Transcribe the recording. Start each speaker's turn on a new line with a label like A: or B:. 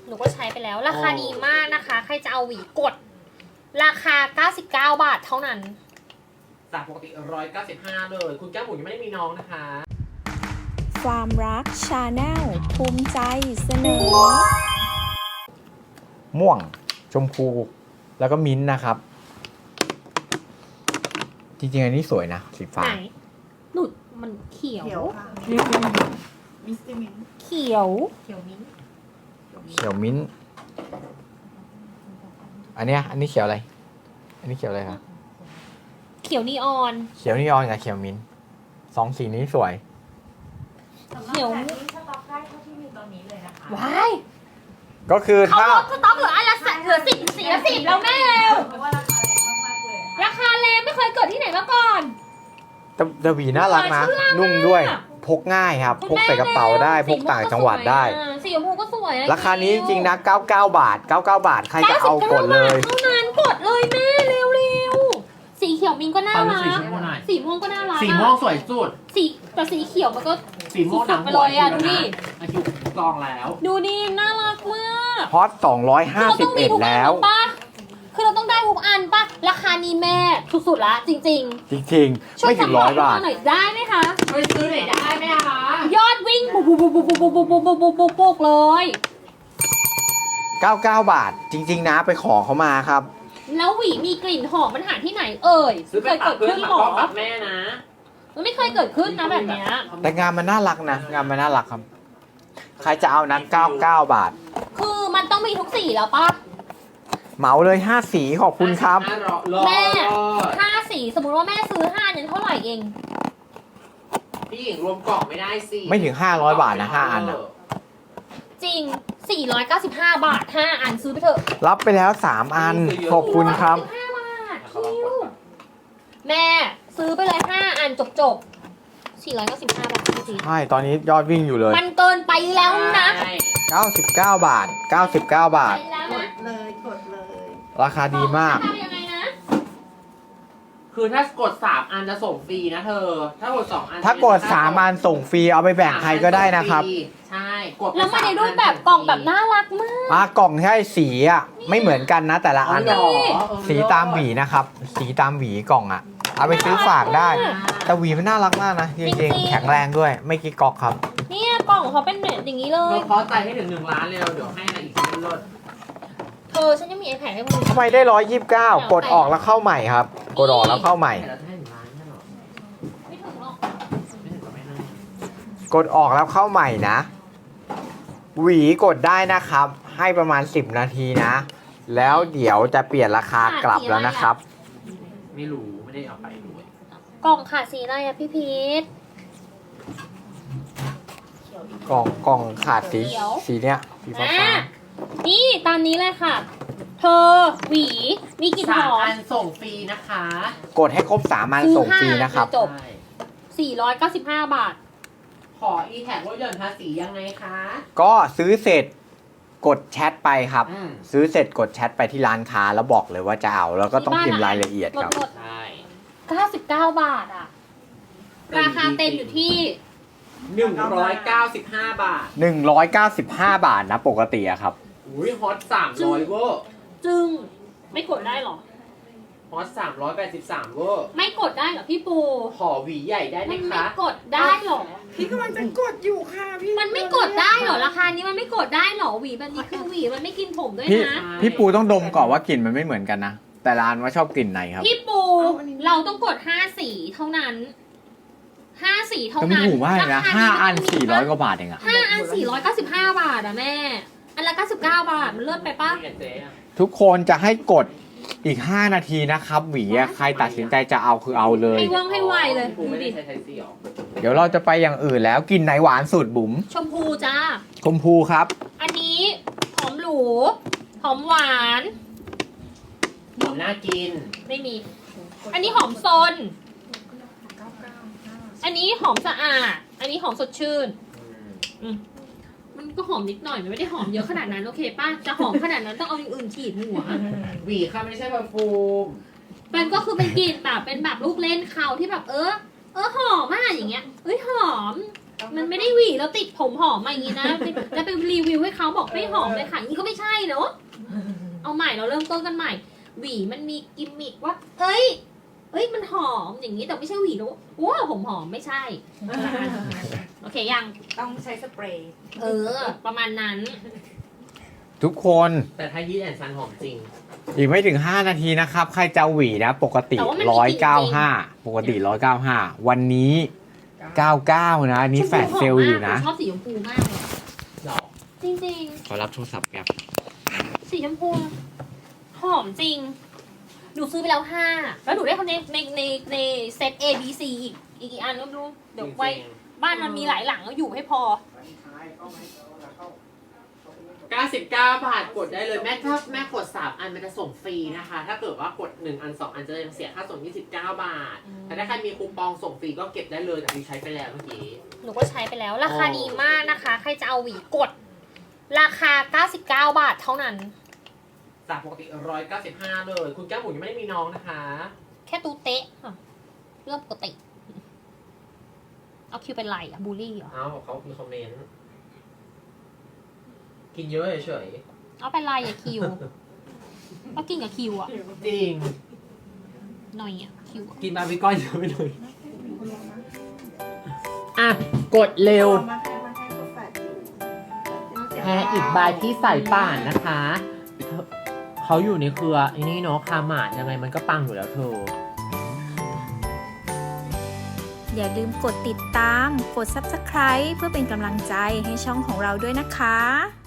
A: หนูก็ใช้ไปแล้วราคาดีมากนะคะ ใครจะเอาหวีกด ราคา99 บาทเท่านั้น
B: จากปกติ195เลยคุณแก้มบุ๋มยังไม่ได้มีน้องนะคะ
C: ความรักชาแนลภูมิใจเสนอ
D: ม่วงชมพูแล้วก็มิ้นท์นะครับ จริงๆอันนี้สวยนะสีฟ้า
A: ไหนหนุดมันเขียว
E: เขียวค่ะมิสติมิน
A: เขียวมิ้นท์
D: เขียวมิ้นท์อันนี้เขียวอะไร อันนี้เขียวอะไรครับ
A: เขียวนีออน
D: เขียวนีออนกับเขียวมิ้นท์สองสีนี้สวย
A: เขียว
E: สต็อกได้เท่าที่มีตอนนี้เลยนะคะ
A: ว้าย
D: ก็คือ
A: เขา
D: ถ้า
A: ลดสต็อกเหลืออันละเหลือ10 สีละ10แล้วแม่เร็ว
E: เพราะว่าราคาแรงมากๆเลย
A: ราคาแรงไม่เคยเกิดที่ไหนมาก่อน
D: แต่หวีน่ารักนะ นุ่มด้วย พกง่ายครับ พกใส่กระเป๋าได้ พกต่างจังหวัดได้
A: สีชมพูก็สวยอะ
D: ราคานี้จริงๆนะ99 บาท 99 บาท ใครจะเอากดเลย
A: เท่านั้นกดเลยแม่เร็วๆสีเขียวมินก็น่ารัก
B: สีม่วงหน่อย
A: สีม่วงก็น่ารัก
B: สีม่วงสวยสุด
A: แต่สีเขียวมันก็
B: สีม่วงหนัง
A: ไปเลยอะดูดิ
B: อายุกองแล้ว
A: ดูนี่น่ารักมาก
D: ฮอต251แล้ว
A: คือเราต้องได้ทุกอันปะราคานี้แม่สุดๆละจริง
D: จริง
A: ๆ
D: ๆ ไม่ถึง100 บาท
A: หน่อยได้ไหมคะ
B: ไปซื้อไหนได้ไหมคะ
A: ยอดวิ่งบุกเลย
D: 99 บาท จริง ๆ นะไปขอเขามาครับ
A: แล้วหวีมีกลิ่นหอมมันหาที่ไหนเอ่ย
B: ซื้อไป
A: เคย
B: ปั
A: เกิ
B: ก
A: ด
B: เพื่อ
A: ขึ้
B: น
A: น
B: ปัก
A: หรอ
B: พ่อปักแม่นะ
A: มันไม่เคยเกิดขึ้นนะแบบเนี้ย
D: แต่งานมันน่ารักนะ งานมันน่ารักครับ ใครจะเอานั้น99 บาท
A: คือมันต้องมีทุกสีแล้วปะ
D: เหมาเลย 5 สีขอบคุณครับ
A: แม่5 สีสมมุติว่าแม่ซื้อ5เนี่ยเท่าไหร่เอง
B: พี่หญิงรวมกล่องไม่ได้สิ
D: ไม่ถึง500 บาทนะ5 อันนะ
A: จริง 495 บาท 5 อันซื้อไปเถอะ
D: รับไปแล้ว 3 อัน ขอบคุณครับ
A: 495 บาทคิวแม่ซื้อไปเลย 5 อันจบ495 บาทจริง
D: ใช่ ตอนนี้ยอดวิ่งอยู่เลย
A: มันเกินไปแล้วนะ
B: ใช่
D: 99 บาท 99 บาท
A: ไปแล้ว
E: ก
A: นะ
E: ดเลยกดเลย
D: ราคาดีมาก
A: ทำยังไงนะ
B: คือถ้ากด3อันจะส่งฟรีนะเธอ ถ้ากด2อัน
D: ถ้ากด3 อันส่งฟรี เอาไปแบ่งใครก็ได้นะครับ
B: ใช่กดไป
A: แล้วมาใน
B: 3
A: รูปแบบกล่องแบบน่ารักมาก
D: กล่องใช่สีอ่ะ ไม่เหมือนกันนะ แต่ละอัน
B: เหร
D: อะ
B: อ
D: สีตามหวีนะครับ สีตามหวีกล่องอ่ะ เอาไปซื้อฝากได้ แต่หวีมันน่ารักมากนะ จริงๆ แข็งแรงด้วย ไม่กิ๊กก๊อกครับ
A: เนี่ยกล่องเขาเป็นแบบอย่างนี้เล
B: เธ
A: ย
B: อขอใจให้ถึง1 ล้านเร็วเดี๋ยวให้อะไรอีกชิ้นลด
A: เธอฉันยังมี iPad ให้มึง
D: ทำไมได้129 กดออกแล้วเข้าใหม่ครับ กดออกแล้วเข้าใหม่
B: เราจะให้1 ล้านใช่หรอ
A: ไม่ถึงหรอก
B: ไม่ถึงก็ไม่ให้
D: กดออกแล้วเข้าใหม่นะ หวีกดได้นะครับ ให้ประมาณ10 นาทีนะ แล้วเดี๋ยวจะเปลี่ยนราคากลับแล้วนะครับ
B: ไม่รู้ไม่ได้เอาไปด้วย
A: กล่องขาดสีอะไรอะพี่พีท
D: กล่องขาดสีเนี้ยสีฟ้า
A: นี่ตามนี้เลยค่ะ เธอหวีมีกลิ่นหอ
B: 3
A: ม
B: อันส่งฟรีนะคะ
D: กดให้ครบ3 อันส่งฟรีนะครับ
A: จบ
B: ใช่
A: 495 บาท
B: ขอ e-tag ลดหย่อนภาษียังไงคะ
D: ก็ซื้อเสร็จกดแชทไปครับ
B: อืม
D: ซื้อเสร็จกดแชทไปที่ร้านค้าแล้วบอกเลยว่าจะเอา แล้วก็ต้องพิมพ์รายละเอียดครับ
A: หมด
B: ใช่
A: 99 บาทอะราคาเต็มอยู่ที่
B: 195 บาท
D: 195 บาทนะปกติอะครับ
B: อุ้ยฮอต300เวอร์
A: จึงไม่กดได้หรอ
B: ฮอต383เวอร์
A: ไม่กดได้เหรอพี่ปู
B: ขอหวีใหญ่ได้ไหม
A: มันไม่
B: คะ
A: กดได้หรอ
E: พี่กำลังจะกดอยู่ค่ะพี่
A: มันไม่กดได้เหรอราคานี้มันไม่กดได้เหรอหวีแบบนี้คือหวีมันไม่กินผมด้วย
D: พี่
A: นะ
D: พี่ปูต้องดมก่อนว่ากลิ่นมันไม่เหมือนกันนะ แต่ร้านว่าชอบกลิ่นไหนครับ
A: พี่ปูเราต้องกด5 สีเท่านั้น5 สีเท่า
D: ก็ไม่
A: นั้น
D: ถูกมากเลยนะ
A: รค
D: 5 อัน
A: มั
D: 400 กว่าบาทเองอะ
A: 5 อัน495 บาทอะแม่ อันละ99 บาทมันเลิศไปปะ
B: นี่ไงเจ๊อะ
D: ทุกคนจะให้กดอีก 5 นาทีนะครับ หวีอะใครตัดสินใจจะเอาคือเอาเลย
A: ให้ว่องให้ไวเลย
B: กู
A: ดู
B: ไม่ได้
A: ดิ
D: เ
B: ใช้ไทยซีหรอ
D: ดี๋ยวเราจะไปอย่างอื่นแล้วกลินไหนหวานสุดบุ๋ม
A: ชมพูจ้า
D: ชมพูครับ
A: อันนี้หอมหรูหอมหวาน
B: หอมน่ากิน
A: ไม่มี อันนี้หอมซน อันนี้หอมสะอาด อันนี้หอมสดชื่น มันก็หอมนิดหน่อยมันไม่ได้หอมเยอะขนาดนั้นโอเคป้าจะหอมขนาดนั้นต้องเอาอย่างอื่นฉีดหัว
B: หวีค่ะไม่ใช่เพอร์ฟูม
A: มันก็คือเป็นกลิ่นแบบเป็นแบบลูกเล่นเขาที่แบบหอมอ่ะอย่างเงี้ยเอ้ยหอมมันไม่ได้หวีแล้วติดผมหอมมาอย่างนี้นะแล้วไปรีวิวให้เขาบอกไม่หอมเลยค่ะนี่ก็ไม่ใช่เนอะเอาใหม่เราเริ่มต้นกันใหม่ หวีมันมีกิมมิคว่าเอ้ยมันหอมอย่างนี้แต่ไม่ใช่หวีแล้วว้าวผมหอมไม่ใช่ โอเคยัง
E: ต้องใช้สเปรย์
A: ประมาณนั้น
D: ทุกคน
B: แต่ถ้ายีดแอนซันหอมจริง
D: อีกไม่ถึง 5 นาทีนะครับ ใครจะหวีนะ ปกติ
A: แต่ว่ามันมีกลิ่นจริง
D: 195 ปกติ 195 วันนี้ 99 นะ อันนี้แฟลชเซลล์อยู่นะ
A: ชอบสีชมพูมากเลย
B: หรอ
A: จริง
D: ขอรับโทรศัพท์ครับ
A: ๆ สีชมพูหอมจริงหนูซื้อไปแล้ว5แล้วหนูได้คนในเซต A B C อีกกี่อันก็ไม่รู้เดี๋ยวไว้บ้านมันมีหลายหลังก็อยู่ให้พอ
B: 99 บาทกดได้เลยแม่ถ้าแม่กด3อันมันจะส่งฟรีนะคะ ถ้าเกิดว่ากด1อัน2อันจะยังเสียค่าส่ง29 บาท แต่ถ้าใครมีคูปองส่งฟรีก็เก็บได้เลยแต่ดิใช้ไปแล้วเมื่อกี้
A: หนูก็ใช้ไปแล้วราคาดีมากนะคะ ใครจะเอาหวีกด ราคา99 บาทเท่านั้น
B: จากปกติ195เลยคุณแก้วหมูยังไม่ได้มีน้องนะคะ
A: แค่ตูเตะค่ะเรื่องปกติ เอาคิวเป็นไรอะบูลลี่เหรอ
B: เอ้าเขามีคอมเมนต์กินเยอะเฉย
A: เอาเป็นไรอะคิวก็กินกับคิวอะ
B: ๆจริง
A: หน่อยอะคิวอะ
B: กินบาร์บีคอนเยอะไปหน่อยอ่ะกดเร็ว
E: มาให้ตัวแฟดอยู่
B: แพ้อีกใบที่ใส่ป่านนะคะ เขาอยู่ในเครือไอ้นี่เนาะคาหมาดยังไงมันก็ปังอยู่แล้วเธอ
C: อย่าลืมกดติดตาม กด Subscribe เพื่อเป็นกำลังใจให้ช่องของเราด้วยนะคะ